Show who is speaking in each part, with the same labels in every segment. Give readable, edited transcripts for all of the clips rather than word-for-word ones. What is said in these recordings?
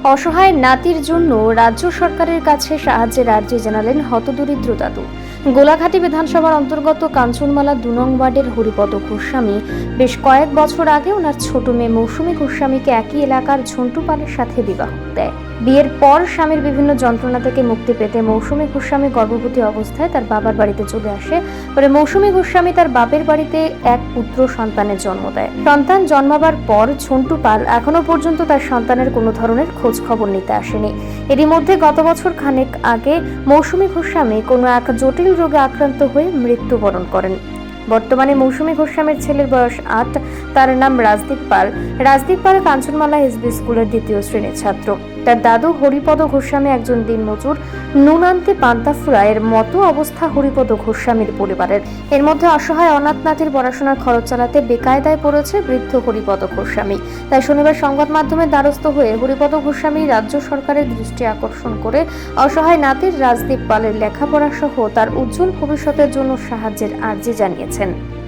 Speaker 1: অসহায় নাতির জন্য রাজ্য সরকারের কাছে সাহায্যের আর্জি জানালেন হতদরিদ্র দাদু। গোলাঘাটি বিধানসভার অন্তর্গত কাঞ্চনমালা ২ নং ওয়ার্ডের হরিপদ গোস্বামী বেশ কয়েক বছর আগে ওনার ছোট মেয়ে মৌসুমী গোস্বামীকে একই এলাকার ঝন্টু পালের সাথে বিবাহ দেয়। বিয়ের পর স্বামীর বিভিন্ন যন্ত্রণা থেকে মুক্তি পেতে মৌসুমী গোস্বামী গর্ভবতী অবস্থায় তার বাবার বাড়িতে চলে আসে। পরে মৌসুমী গোস্বামী তার বাপের বাড়িতে এক পুত্র সন্তানের জন্ম দেয়। সন্তান জন্মাবার পর ঝন্টু পাল এখনো পর্যন্ত তার সন্তানের কোনো ধরনের খোঁজ খবর নিতে আসেনি। এরই মধ্যে গত বছর খানেক আগে মৌসুমী গোস্বামী কোনো এক জটিল রোগে আক্রান্ত হয়ে মৃত্যুবরণ করেন। বর্তমানে মৌসুমী গোস্বামীর ছেলের বয়স ৮। তার নাম রাজদীপ পাল। রাজদীপ পাল কাঞ্চনমালা এসবি স্কুলের ২য় শ্রেণীর ছাত্র। তার দাদু হরিপদ গোস্বামী একজন দিনমজুর। নুন আনতে পান্তা ফুরায়ের মতো অবস্থা হরিপদ গোস্বামীর পরিবারের। এর মধ্যে অসহায় অনাথ নাতির পড়াশোনার খরচ চালাতে বেকায়দায় পড়েছে বৃদ্ধ হরিপদ গোস্বামী। তাই শনিবার সংবাদ মাধ্যমের দ্বারস্থ হয়ে হরিপদ গোস্বামী রাজ্য সরকারের দৃষ্টি আকর্ষণ করে অসহায় নাতির রাজদীপ পালের লেখাপড়া সহ তার উজ্জ্বল ভবিষ্যতের জন্য সাহায্যের আর্জি জানিয়েছেন।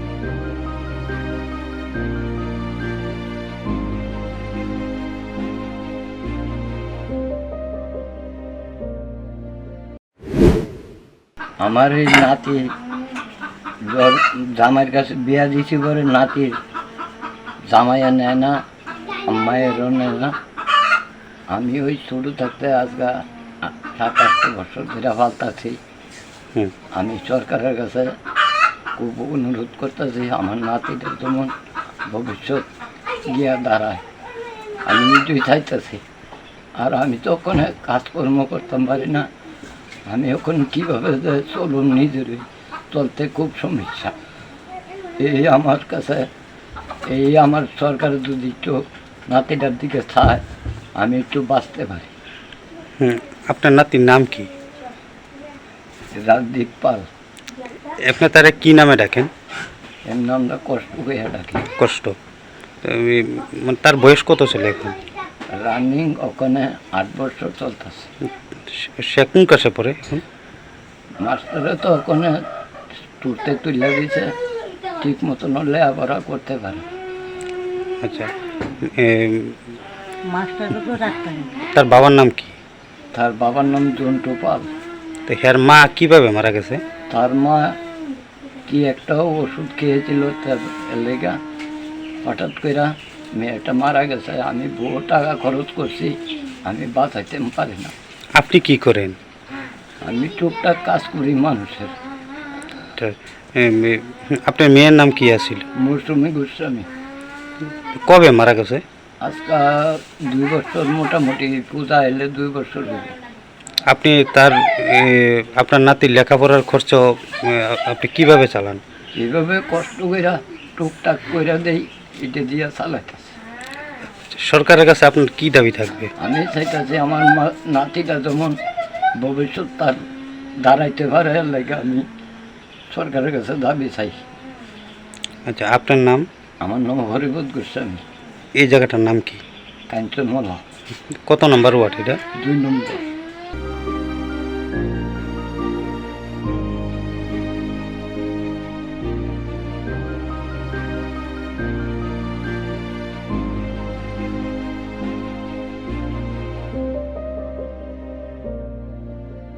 Speaker 2: আমার এই নাতি জামাইয়ের কাছে বিয়া দিছি করে নাতির জামাইয়া নেয় না, মায়েরও নেয় না। আমি ওই ছোটো থাকতে আজকে ৭-৮ বছর ধরে ফালতাছি। আমি সরকারের কাছে খুব অনুরোধ করতেছি আমার নাতিদের যেমন ভবিষ্যৎ গিয়া দাঁড়ায়। আমি নিজেই চাইতেছি। আর আমি তো ওখানে কাজকর্ম করতাম পারি না। আমি এখন কীভাবে চলুন নিজের চলতে খুব সমস্যা। এই আমার কাছে আমার সরকার যদি একটু নাতিটার দিকে চায় আমি একটু বাঁচতে পারি।
Speaker 3: আপনার নাতির নাম কি?
Speaker 2: রাজদীপ পাল।
Speaker 3: আপনি তারা কি নামে ডাকেন?
Speaker 2: এর নামটা কষ্ট হয়ে ডাকি।
Speaker 3: কষ্ট। মানে তার বয়স কত ছিল এখন?
Speaker 2: রানিং ওখানে ৮ বছর চলতেছে।
Speaker 3: সে কোন ক্লাসে পড়ে এখন?
Speaker 2: মাস্টারে তো ওখানে তুলতে তুলে দিছে, ঠিক মতন লেখাপড়া করতে পারে।
Speaker 3: আচ্ছা, তার বাবার নাম কি?
Speaker 2: তার বাবার নাম ঝন্টু পাল।
Speaker 3: তো হ্যার মা কিভাবে মারা গেছে?
Speaker 2: তার মা কি একটা ওষুধ খেয়েছিল, তার লেগা হঠাৎ করে মেয়েটা মারা গেছে। আমি বহু টাকা খরচ করছি, আমি বাঁচাইতে পারি না।
Speaker 3: আপনি কি করেন?
Speaker 2: আমি টুকটাক কাজ করি মানুষের।
Speaker 3: আপনার মেয়ের নাম কি আছিল?
Speaker 2: মৌসুমী গোস্বামী।
Speaker 3: কবে মারা গেছে?
Speaker 2: আজকে ২ বছর, মোটামুটি পূজা এলে 2 বছর হবে।
Speaker 3: আপনি আপনার নাতির লেখাপড়ার খরচ আপনি কিভাবে চালান?
Speaker 2: এইভাবে কষ্ট কইরা টুকটাক কইরা দেই, এটা দিয়ে চালাইতেছে।
Speaker 3: সরকারের কাছে আপনার কি দাবি থাকবে?
Speaker 2: আমি চাইতেছি আমার নাতিটা যেমন ভবিষ্যৎ তার দাঁড়াইতে পারে, লাগে আমি সরকারের কাছে দাবি চাই।
Speaker 3: আচ্ছা, আপনার নাম?
Speaker 2: আমার নাম হরিপদ গোস্বামী।
Speaker 3: এই জায়গাটার নাম কি?
Speaker 2: কাঞ্চনমালা।
Speaker 3: কত নম্বর ওয়ার্ড এটা?
Speaker 2: 2 নম্বর।